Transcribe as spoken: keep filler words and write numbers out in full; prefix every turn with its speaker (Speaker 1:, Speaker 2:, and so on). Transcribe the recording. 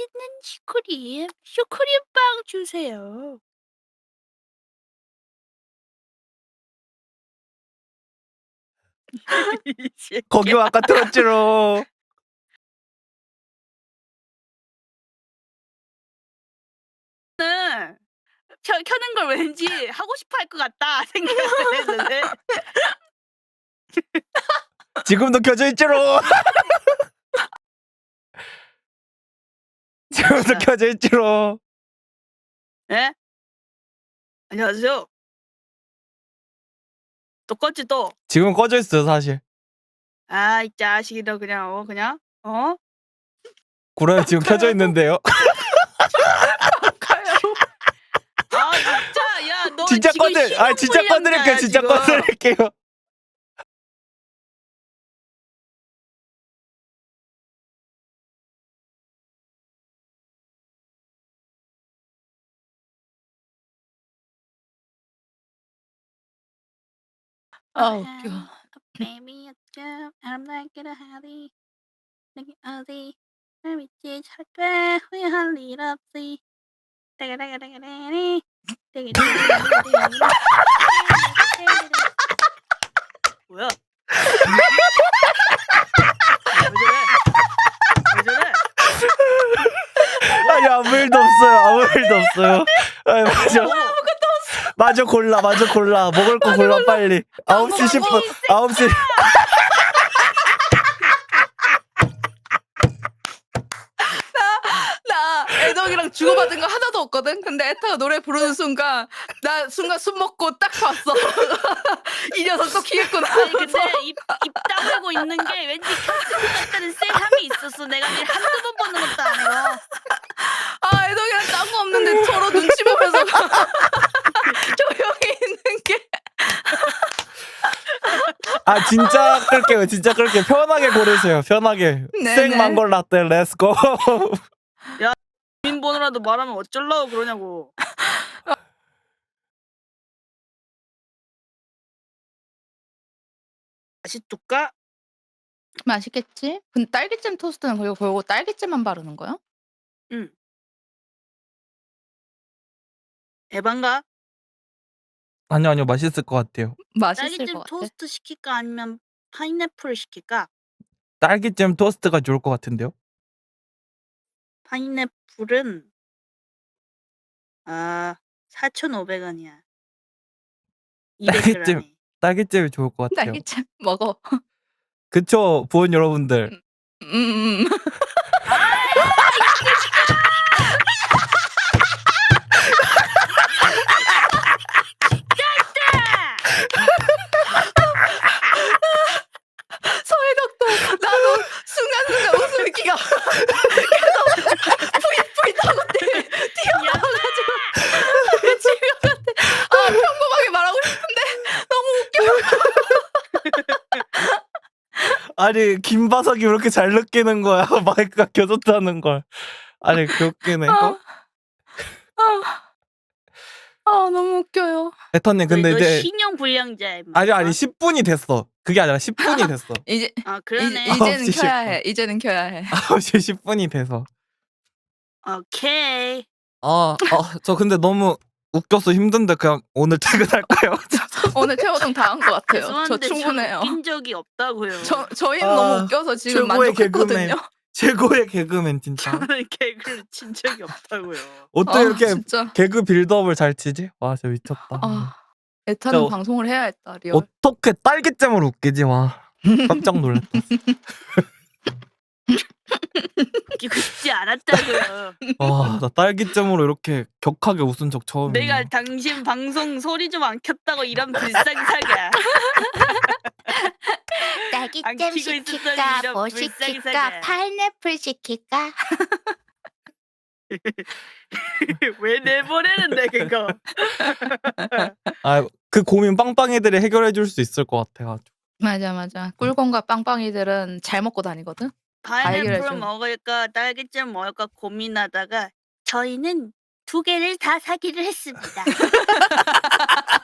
Speaker 1: 맛있는 슈크림, 슈크림빵 주세요. 이
Speaker 2: 거기
Speaker 1: 새끼야.
Speaker 2: 아까 들었지롱.
Speaker 1: 는 켜 켜는 걸 왠지 하고 싶어 할 것 같다 생각을 했는데
Speaker 2: 지금도 켜져 있지롱. 지금도
Speaker 1: 아.
Speaker 2: 켜져 있지롱.
Speaker 1: 예? 안녕하세요. 또 껐지 또?
Speaker 2: 지금 꺼져 있어요 사실.
Speaker 1: 아 이 자식이 너 그냥 어 그냥 어?
Speaker 2: 그래 지금 켜져 있는데요.
Speaker 3: 가요.
Speaker 1: 아 진짜 야 너
Speaker 2: 진짜
Speaker 1: 지금
Speaker 2: 꺼드 아 진짜 꺼드릴게요.
Speaker 1: 신용불량자야
Speaker 2: 진짜
Speaker 1: 지금.
Speaker 2: 꺼드릴게요.
Speaker 3: 아 웃겨.
Speaker 1: Baby, I'm not gonna hurry. 내게 어디 날 믿지 절대 후회할 일 없이. 따가따가따가따리. 따가따가따가따리. 뭐야? 왜 저래? 왜 저래?
Speaker 2: 아니 아무 일도 없어요. 아무 일도 없어요. 아니, 맞아. 마저 골라. 마저 골라. 먹을 거 골라 빨리. 아홉 시 십 분. 아홉 시.
Speaker 3: 나 애덕이랑 주고받은 거 하나도 없거든. 근데 에타가 노래 부르는 순간 나 순간 숨 먹고 딱 봤어. 이 녀석 또 키겠구나.
Speaker 1: 아니 근데 입, 입 다물고 있는 게 왠지 켰을 것 같다는 쎄함이 있었어. 내가 니 한두 번 보는 것도 아니고.
Speaker 3: 아 애덕이랑 딴 거 없는데 서로 눈치 보면서 조용히 있는 게.
Speaker 2: 아 진짜 끌게요. 진짜 끌게요. 편하게 고르세요. 편하게.
Speaker 3: 네네.
Speaker 2: 생망골 라떼 렛츠고.
Speaker 1: 주민번호라도 말하면 어쩌려고 그러냐고. 맛있을까?
Speaker 3: 맛있겠지? 근데 딸기잼 토스트는 그리고 그거 딸기잼만 바르는 거야?
Speaker 1: 응. 에반가?
Speaker 2: 아니요 아니요 맛있을 것 같아요.
Speaker 3: 맛있을
Speaker 1: 딸기잼
Speaker 3: 것 같아.
Speaker 1: 토스트 시킬까 아니면 파인애플 시킬까?
Speaker 2: 딸기잼 토스트가 좋을 것 같은데요.
Speaker 1: 파인애플은 아 사천오백 원이야. 이백
Speaker 2: 딸기잼
Speaker 1: 그램에.
Speaker 2: 딸기잼이 좋을 것 같아요.
Speaker 3: 딸기잼 먹어.
Speaker 2: 그쵸 부원 여러분들.
Speaker 3: 음. 서해덕도 나도 순간순간 웃음이 기가 계속 푸잇푸잇 하고 뛰- 튀어나와가지고 미칠 것 같아. 아 평범하게 말하고 싶은데 너무 웃겨.
Speaker 2: 아니 김바석이 왜 이렇게 잘 느끼는 거야. 마이크가 켜졌다는 걸. 아니 개웃기네. 어?
Speaker 3: 아, 아 너무 웃겨요.
Speaker 2: 에터님 근데
Speaker 1: 너
Speaker 2: 이제
Speaker 1: 신용불량자야. 임마.
Speaker 2: 아니 아니 십 분이 됐어. 그게 아니라 십 분이 됐어.
Speaker 3: 이제
Speaker 1: 아
Speaker 3: 이,
Speaker 1: 그러네.
Speaker 2: 아홉
Speaker 3: 이제는
Speaker 2: 시
Speaker 3: 켜야
Speaker 2: 십 분.
Speaker 3: 해. 이제는 켜야 해.
Speaker 2: 아홉 시 십 분이 돼서.
Speaker 1: 오케이.
Speaker 2: 아, 아, 저 근데 너무 웃겨서 힘든데 그냥 오늘 퇴근할까요?
Speaker 3: 오늘 최호동 다 한 것 같아요. 저
Speaker 1: 죄송한데 저
Speaker 3: 충분해요.
Speaker 1: 웃긴 적이 없다고요.
Speaker 3: 저 저희는
Speaker 2: 아,
Speaker 3: 너무 웃겨서 지금
Speaker 2: 최고의 개그맨.
Speaker 3: 만족했거든요.
Speaker 2: 최고의 개그맨 진짜.
Speaker 1: 저는 개그를 친 적이 없다고요.
Speaker 2: 어떻게
Speaker 3: 아,
Speaker 2: 이렇게
Speaker 3: 진짜.
Speaker 2: 개그 빌드업을 잘 치지? 와 진짜 미쳤다.
Speaker 3: 아, 에타는
Speaker 2: 저-
Speaker 3: 방송을 해야겠다. 리얼.
Speaker 2: 어떻게 딸기잼으로 웃기지? 와 깜짝 놀랐다.
Speaker 1: 웃기고 싶지 않았다고요.
Speaker 2: 와 나 딸기잼으로 이렇게 격하게 웃은 적 처음이야.
Speaker 1: 내가 당신 방송 소리 좀 안 켰다고 이런 불쌍사가. 안
Speaker 4: 딸기잼
Speaker 1: 키고
Speaker 4: 시킬까?
Speaker 1: 있었더니
Speaker 4: 뭐
Speaker 1: 이런
Speaker 4: 시킬까?
Speaker 1: 불쌍사가.
Speaker 4: 파인애플 시킬까?
Speaker 1: 왜 내보내는데 그거.
Speaker 2: 아그 고민 빵빵이들이 해결해 줄 수 있을 것 같아가지고.
Speaker 3: 맞아 맞아. 꿀건과 빵빵이들은 잘 먹고 다니거든.
Speaker 1: 파인애플
Speaker 3: 해결해줘.
Speaker 1: 먹을까 딸기잼 먹을까 고민하다가 저희는 두 개를 다 사기를 했습니다.